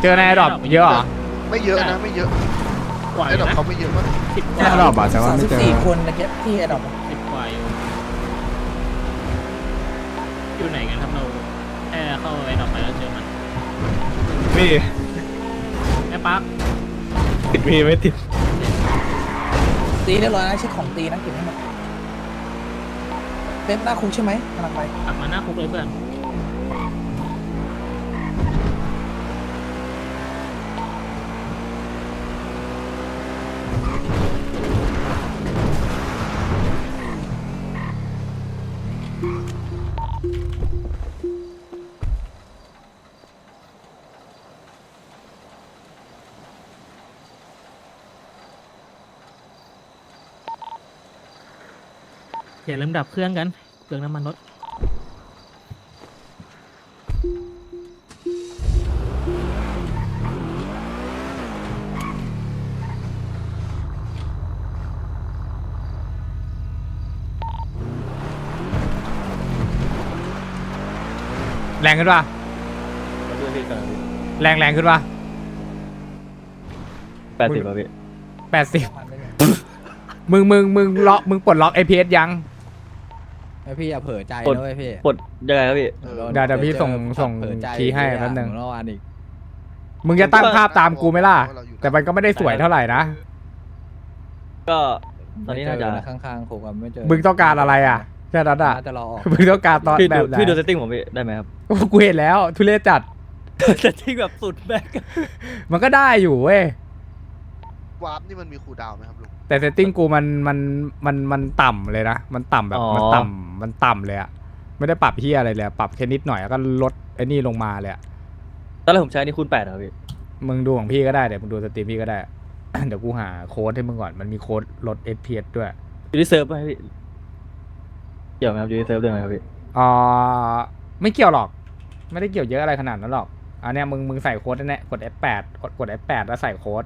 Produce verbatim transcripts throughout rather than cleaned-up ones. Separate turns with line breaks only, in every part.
เจอในดรอปเยอะเหรอ
ไม่เยอะนะไม่เยอะไอ้ดอกเขาไม่เยอะมาก
สิบก
แค่
ว่า
ดอกอ่ะแต่ว่าไม่เจอ
สี่คนนะแค่ที่ไอ้ดอก
สิบกว่าอยู่อยู่ไหนกันครับเราแค่เข้าไปดอกไปแล้วเจอมัน
พี่
แม่ปั๊ก
ติดมีไม่ติด
ตีเรียบร้อยนะเช็คของตีนะเก็บให้หมดเต็มหน้าคุกใช่ไหมกำลังไป
กลับมาหน้าคุกเลยเพื่อนอย่าลืมดับเครื่องกันเครื่องน้ำมันรถ
แรงขึ้นป่ะแรงแรงขึ้นป่ะ
แปดสิบป่ะพี่
แปดสิบมึงมึงมึงล็อกมึงปลดล็อก เอ พี เอส ยัง
ไอพี่อย่าเผลอใจนะเว้ยพี่
ปลดยังไงครับพี่
เดี๋ยวเดี๋ยวพี่ส่งส่ง
เผลอใจ
คีย์ให้แป๊บนึง
เมื่อวานอีก
มึงจะตั้งภาพตามกูไหมล่ะแต่มันก็ไม่ได้สวยเท่าไหร่นะ
ก็ตอนนี้น่าจะ
ไม่เจอข้างๆผมอะไม่เจอ
มึงต้องการอะไรอ่ะแค่นั้นอ่ะ
น่าจะรอออก
มึงต้องการตอน
พี่
แบ
ดู
บไหน
พี่ดูเซตติ้งผมพี่ได้ไหมครับ
โอ้กูเห็นแล้วทุเรศจัด
เซตติ้งแบบสุดแบ็ค
มันก็ได้อยู่เว้ยว
าร์ปนี่มันมีคูลดาวน์ไหมครับลุง
แต่เซตติ้งกูมันมันมันมันต่ำเลยนะมันต่ำแบบมันต่ำมันต่ำเลยอะไม่ได้ปรับเฮียอะไรเลยปรับแค่นิดหน่อยแล้วก็ลดไอ้นี่ลงมาเลยอะ
ตอนแรกผมใช้นี่คูณแปดครับพี่
มึงดูของพี่ก็ได้เดี๋ยวมึงดูสตรีมพี่ก็ได้ เดี๋ยวกูหาโค้ดให้มึงก่อนมันมีโค้ดลด เอฟ พี เอส ด้วย
ยูนิเซิร์ฟไหมพี่เกี่ยวไหมครับยูนิเซิร์ฟด้วยไหมครับพี่
อ่าไม่เกี่ยวหรอกไม่ได้เกี่ยวเยอะอะไรขนาดนั้นหรอกอันเนี้ยมึงมึงใส่โค้ดแน่ๆกด เอฟ แปด กดกด เอฟ แปด แล้วใส่โค้ด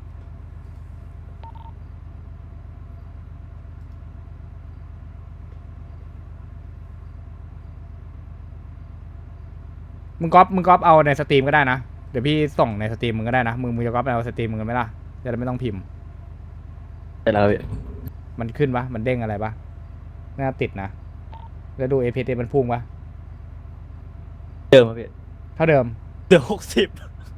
มึงก๊อปมึงก๊อปเอาในสตรีมก็ได้นะเดี๋ยวพี่ส่งในสตรีมมึงก็ได้นะมึงมึงจะก๊อปเอาสตรีมมึงกันไหมล่ะจะได้ไม่ต้องพิมพ์
ได้แล้วพี่
มันขึ้นปะมันเด้งอะไรปะน่าติดนะแล้วดู เอ พี เอส มันพุ่งปะ
เดิมครับพี่
เท่าเดิม
เดือหกสิบ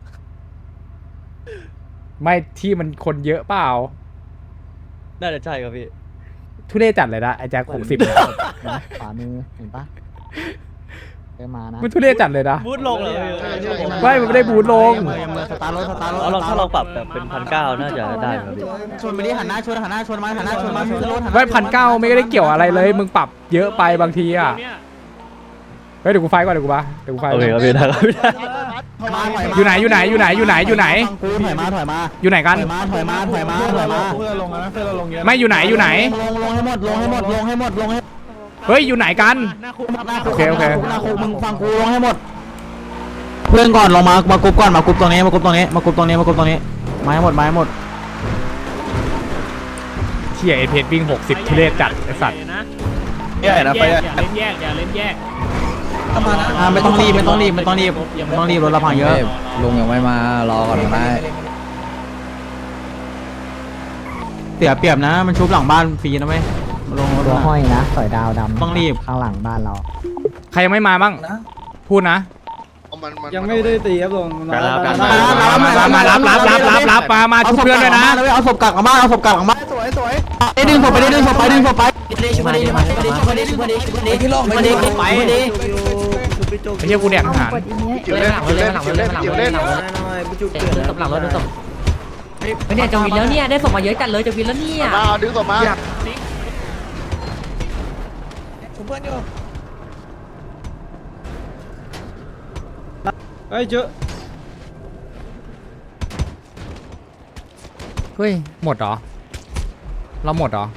ไม่ที่มันคนเยอะเปล่า
น่าจะใช่ครับพี่
ทุเรศจัดเลยนะไอ้แจ็คหกสิบ
ขวามือเห็นปะไปมานะ
มันทุเรศจัดเลยนะ
บูทลงเลย
ไม่มันไม่ได้บูทลง
สตาร์รถสตาร์รถ
เอาลองถ้าลองปรับแบบเป็นพันเก้าน่าจะได้ครับพี่
ชนไปดิหันหน้าชนหันหน้าชนมาหันหน้าชนมาขึ้นรถหันหน้า
ไม่พันเก้าไม่ได้เกี่ยวอะไรเลย มึงปรับเยอะไปบางทีอ่ะเฮ้ยเดี๋ยวกูไฟก่อนเดี๋ยวกูมาเดี๋ยวกูไฟ
โอเคครับพี่ได้ครับพี่ได้
อยู่ไหนอยู่ไหนอยู่ไหนอยู่ไหนอยู่ไหน
กูถอยมาถอยมา
อยู่ไหนกัน
ถอยมาถอยมาถอยมาถอยมา
เพื่อนลงนะเพื่อนเราลงเยอะ
ไม่อยู่ไหนอยู่ไหน
ลงลงให้หมดลงให้หมดลงให้หมดลงให้
เฮ้ยอยู่ไหนกัน
หน้าคุก
หน้าคุ
โอก เคโอเค
หน้าคุกมึงฟังกูลงให้หมด เพื่อนก่อนลงมามากรุ๊ปก่อนมากรุ๊ปตรงนี้มากรุ๊ปตรงนี้มากรุ๊ปตรงนี้มากรุ๊ปตรงนี้มาให้หมดมาให้หมด
เที่ยเอเพจวิ่งหกสิบทุเรศจัดไอสัตว์
นะ
ใหญ่นะ
แย
ไป
กอย่าเล่นแยกอย่าเล่นแยก
อ่าไม่ต้องรีบไม่ต้องรีบไม่ต้องรีบไม่ต้องรีบรถเราพังเยอะ
ลุงยังไม่มารอก่อนได้
เสียเปรียบนะมันชุบหลังบ้านฟรีนะเว้ยลงรถ
ตัว
มา
ห้อยนะสอยดาวดำ
ต้องรีบ
ข้างหลังบ้านเรา
ใครยังไม่มาบ้าง
นะ
พูดนะ
เอามันมัน
ยังไม่ได้ตีครับลง
การรับการ
มามารับรับรับรับรับมามาชุบเพื่อนด้วยนะ
เอาศพกักหลังบ้านเอาศพกักหลังบ้าน
สวยสวย
ไอ้ดึงศพไปดิดึงศพไปดึงศพไป
มาดิมาดิมาดิมาดิมาดิมาดิที่ลงมาดิไปมาดิ
ไอ้เหี้ยกูแดกอาหาร
เกี่ยวเล่นเกี่ยวเล่นเกี่ยวเล่นเกี่ยวเล่น
ดึงศพหลังรถดึงศพเฮ้ยเนี่ยจะวินแล้วเนี่ยได้ศพมาเยอะจัดเลยจะวินแล้วเนี่ย
มาดึงออกมา
ชุบเพื่อนอยู่
เฮ้ยเจอ
เฮ้ยหมดเหรอเราหมดเหรอ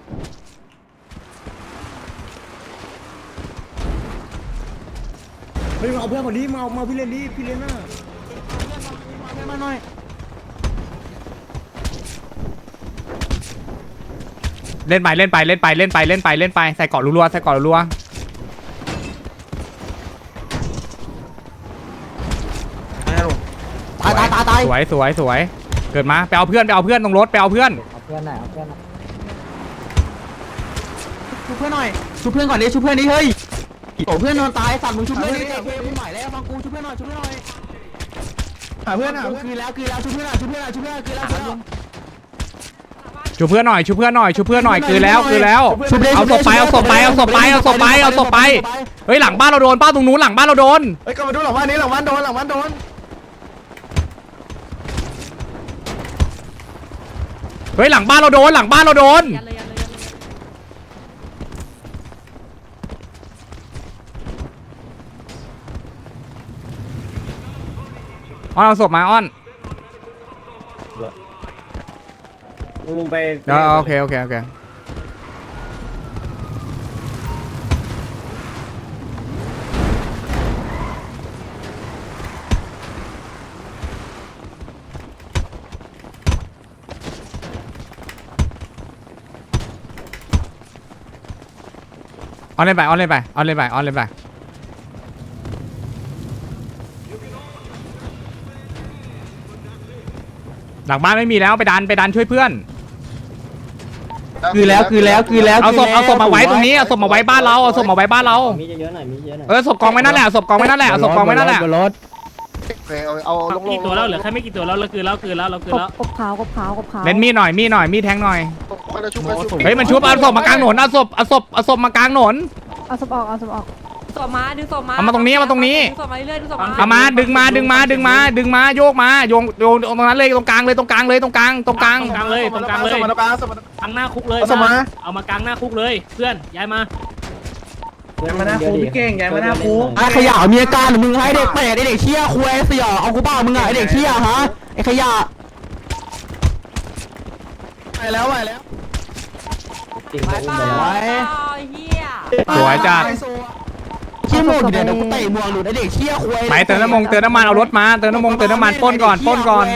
เฮ้ยเอาเพื่อนคนนี้มาเอามาพี่เล่นดิพี่เล่นน่ะ
มาหน่อย
เล่นไปเล่นไปเล่นไปเล่นไปเล่นไปเล่นไปใส่เกาะรัวๆใส่เกาะรัว
ตายตายตาย
สวยสวยสวยเกิดมาไปเอาเพื่อนไปเอาเพื่อนตรงรถไปเอาเพื่อน
เอาเพื่อนหน่อยเอาเพื่อนหน่อย
ชุบเพื่อนหน่อยชุบเพื่อนก่อนดิชุบเพื่อนดิเฮ้ยโอ้เพื่อนนอนตายสั่งมึงชุบเพื่อนดิเฮ้ยมึงใหม่แล้วฟังกูชุบเพื่อนหน่อยชุบเพื่อนหน่อย
หาเพื่อนหา
คืนแล้วคืนแล้วชุบเพื่อนหน่อยชุบเพื่อนหน่อยชุบเพื่อนคืนแล้วคืนแล้ว
ชูเพื่อนหน่อยชูเพื่อนหน่อยชูเพื่อนหน่อยคือแล้วคือแล้วเอาศพไปเอาศพไปเอาศพไปเอาศพไปเอาศพไปเฮ้ยหลังบ้านเราโดนป้าตรงนู้นหลังบ้านเราโดน
เฮ้ยก็มาดูหลังบ้านนี้หลังบ้านโดนหลังบ้านโดน
เฮ้ยหลังบ้านเราโดนหลังบ้านเราโดน
ยันเลยยันเลยยันเลย
อ้อนเอาศพมาอ้อน
มึงไป
เดี๋ยวโอเคโอเคโอเคออนเล่นไปออนเล่นไปออนเล่นไปออนเล่นไปหลังบ้านไม่มีแล้วไปดันไปดันช่วยเพื่อน
คือแล้วคือแล้วคือแล้ว
เอาศพเอาศพมาไว้ตรงนี้เอาศพมาไว้บ้านเราเอาศพมาไว้บ้านเรา
มีเยอะหน่อยมีเยอะหน่อย
เออศพกองไว้นั่นแหละศพกองไว้นั่นแหละเอาศพกองไว้นั่นแหละ
โอเคเอาเอาลงๆ
กี่ตัวแล้วเหลือแค่ไม่กี่ตัวแล้วเราคือแล้วคือแล้วเราคือแล้ว
กบขาวกบขาวกบขาว
เล่นมีดหน่อยมีดหน่อยมีดแทงหน่อย
ค่อยๆชุบค่อยๆชุบ
เฮ้ยมันชุบเอาศพมากลางถนนเอาศพเอาศพเอาศพมากลางถนน
เอาศพออกเอาศพออก
ศพมาดึงศพมา
เอามาตรงนี้เอามาตรงนี้
ดึงศพมาเรื่อยๆดึงศพมา
เอามาดึงมาดึงมาดึงมาดึงมาโยกมาโยงโยงตรงนั้นเลยตรงกลางเลยตรงกลางเลยตรงกลางตรงกลาง
ตรงกลางเลยตรงกลางเลย
สมรภูมิสมรภูมิ
กลางหน้าคุกเลย
เอาศพมา
เอามากลางหน้าคุกเลยเพื่อนย้ายมา
ย้ายมาหน้าครูพี่เก่งย้ายมาหน้าครู
ไอ้ขยะมีอาการหรือมึงให้เด็กเปรตไอ้เด็กเชี่ยคุยไอ้เสี่ยเอากูเปล่ามึงอะไอ้เด็กเชี่ยฮะไอ้ขยะ
ไปแล้วไปแล้ว
จริง
ไป
ก็
เป
อุ้ม
ล่า
ไปแล้ว
ไอ้เฮีย
สวยจัด
เชี่ยหมดเดี๋ยวเดี๋ยวกูเตะหมวกหลุดไอ้เด็กเชี่ยคุย
ไปเติมน้ำมันเติมน้ำมันเอารถมาเติมน้ำมันเติมน้ำมันปล้นก่อนปล้นก่อน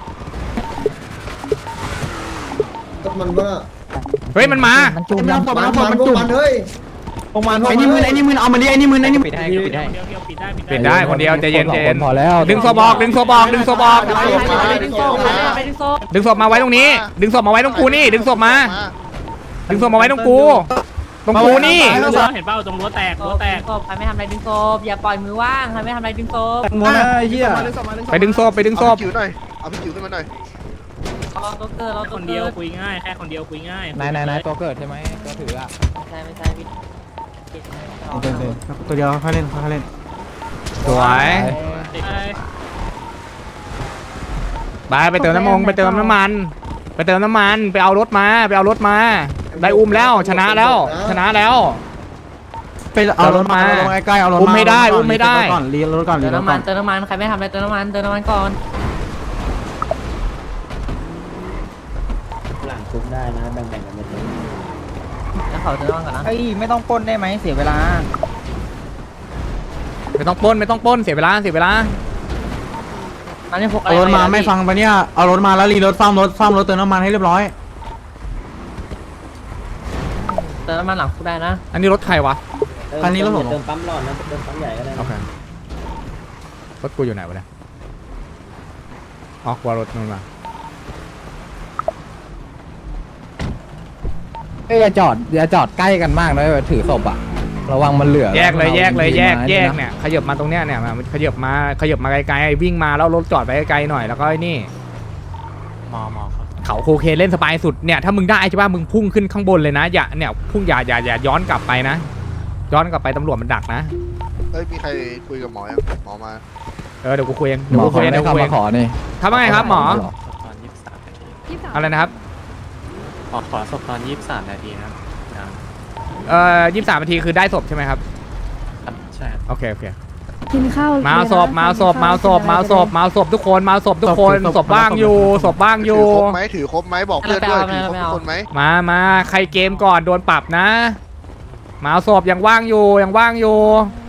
มันว่า
เฮ้ยมันมา
มันจุ่ม
มันมันมันมันจุ่ม
เฮ้ยพวกมัน
ไอ้นี่มึนไอ้นี่มึนเอามาดิไอ้นี่มึนไอ้นี่มึน
เดียวเดียวเดียวปิดได้ปิดได้
ปิดได้คนเดียวใจเย็นใจเย็น
พอแล้ว
ดึงศพออกดึงศพออกดึงศพออก
ไปไปดึงศพไปไปดึงศพ
ดึงศพมาไว้ตรงนี้ ดึงศพมาไว้ตรงกูนี่ ดึงศพมา ดึงศพมาไว้ตรงกู ตรงกูนี่
เห็นเปล่าตรงรั้วแตก
ศ
รั้ว
พ
แตก
ศพใครไม่ทำอะไรดึงศพอย่าปล่อยมือว่างใครไม่ทำอะไรดึงศพ
มัวนะไอ้เหี้ย
ไปดึงศพไปดึงศ
เอา
พ
พี่จิ๋วหน่อยเอาพี่จิ๋วขึ้นมาหน่อย
เราตัวเกิดเรา
ค
ตัวน
เดี
เกิ
ยว
ด
คุยง่ายแค่คนเดียวคุยง่าย
นายนายนายตัวเกิดใช่ไหมตัวถืออ่ะ
ไม่ใช่ไม่ใช่พี่
ตัวเดียวค่อยเล่นค่อยเล่น
สวย ไปไปเติมน้ำมันไปเติมน้ำมัน ไปเติมน้ำมัน ไปเอารถมา ไปเอารถมา ได้อุ้มแล้ว ชนะแล้ว ชนะแล้ว
ไปเอารถมาลงใกล้ๆเอารถ
อุ้มไม่ได้อุ้มไม่ได้
ก่อนรีรถก่อนรี
เติม
รถ
น้ำ
ก่
มั
อน น
เติมน้ำมันใครไม่ทำอะไรเติมน้ำมันเติมน้ำมันก่อน
หลังคุมได้นะแบ่งๆกันไปเลย
แล้วขอเติมน้ำมันก่อนนะ
เฮ้ยไม่ต้องปล้นได้ไหมเสียเวลา
ไม่ต้องปล้นไม่ต้องปล้นเสียเวลาเสียเวลา
มันไม่พกอะไร
เอารถมาไม่ฟังปะเนี่ยเอารถมาแล้วรีรถซ่อมรถซ่อมรถเติมน้ำมันให้เรียบร้อย
เติมน้ำมันหลังคุกได้นะ
อันนี้รถใครวะ
คันนี้รถผม
เติมปั๊มหลอดนะเติมปั๊มใหญ่ก็ได้
โอเค รถกูอยู่ไหนวะเนี่ยอ๋อกูเอารถนู่นมา
เอ้ยอย่าจอดอย่าจอดใกล้กันมากนะถือศพอ่ะระวังมันเหลือ
แยกเลยแยกเลยแยกแยก
นะ
เนี่ยขยับมาตรงเนี้ยเนี่ยมาขยับมาขยับมาไกลๆวิ่งมาแล้วรถจอดไปไกลๆหน่อยแล้วก็ไอ้นี่
มอมอครับ
เขาโคเคนเล่นสบายสุดเนี่ยถ้ามึงได้ใช่ป่ะมึงพุ่งขึ้นข้างบนเลยนะอย่าเนี่ยพุ่งอย่าอย่าอย่าย้อนกลับไปนะ ย้อนกลับไปตำรวจมันดักนะ
เฮ้ยมีใครคุยกับหมอยังหมอมา
เออเดี๋ยวกูคุยเอง
ห
เดี๋ย
ม
ว
อ
กู
ข
คุ
อย
เอง
ได้
เดี๋ยวกูคุยเอง
คำมาขอนี่
ทำว่าไงครับหมอ
ตอนยี่สิบสามนาที
อะไรนะครับ
ขอขอศพตอนยี่สิบสามนาทีนะครับ
เอ่อยี่สิบสามนาทีคือได้ศพใช่ไหมครับ
ใช่
โอเคโอเค
กินข้าว
มาเอาศพมาเอาศพมาเอาศพมาเอาศพมาเอาศพทุกคนมาเอาศพทุกคนศพว่างอยู่ศพว่างอ
ถื
ยู่
อครบไหมถือครบไหมบอกเพื่อนด้วยถือครบทุกคนไหม
มามาใครเกมก่อนโดนปรับนะ มาเอาศพยังว่างอยู่ยังว่างอยู่
เ